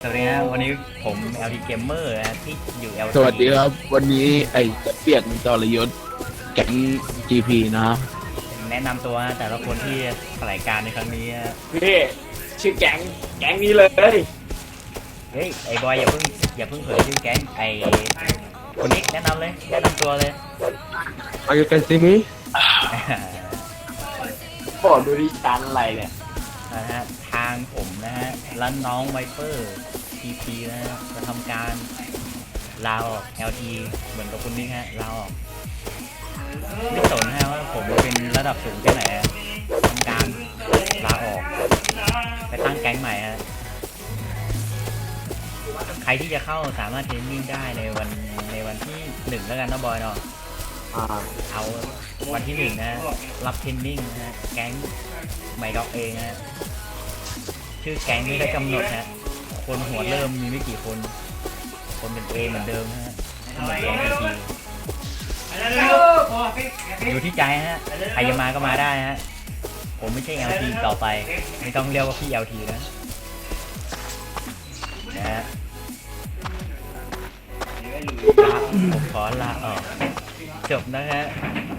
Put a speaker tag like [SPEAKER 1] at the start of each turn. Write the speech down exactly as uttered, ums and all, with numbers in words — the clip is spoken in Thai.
[SPEAKER 1] สวัสดีครับวันนี้ผม แอล ที Gamer นะที่อยู่ แอล ที
[SPEAKER 2] สวัสดีครับวันนี้ไอ้เปียกมันจรยศแก๊ง จี พี นะครับ
[SPEAKER 1] แนะนำตัวนะแต่ละคนที่แถลงการในครั้งนี้นะ
[SPEAKER 3] พี่ชื่อแก๊งแก๊งนี้เลย
[SPEAKER 1] เฮ้ยไอ้บอยอย่าเพิ่งอย่าเพิ่งเผยชื่อแก๊งไอ้คนนี้แนะนำเลยแนะนำตัวเลย
[SPEAKER 2] Are you can see me
[SPEAKER 3] บอกดูดิชั้นอะไรเนี่ย
[SPEAKER 1] นะฮะทางผมนะฮะและน้องไวเปอร์ ที พี นะฮะจะทำการลาออก แอล ที เหมือนกับคุณนี่ฮะลาออกไม่สนนะฮะว่าผมเป็นระดับสูงแค่ไหนฮะทำการลาออกไปตั้งแก๊งใหม่ฮะใครที่จะเข้าสามารถเทรนนิ่งได้ในวันในวันที่หนึ่งแล้วกันนะบอยเนาะ
[SPEAKER 3] อ่า
[SPEAKER 1] เอาวันที่หนึ่งนะรับเทรนนิ่งนะฮะแก๊งไมด็อกเองนะฮะชื่อแก๊งไม่ได้กำหนดฮะคนหัวเริ่มมีไม่กี่คน คนเป็นเอเหมือนเดิมนะฮะเหมือนเดิมทีอยู่ที่ใจฮะใครจะมาก็มาได้ฮะผมไม่ใช่ แอล ที ต่อไปไม่ต้องเรียกว่าพี่ แอล ที นะนะฮะลาผมขอลาออกจบนะฮะ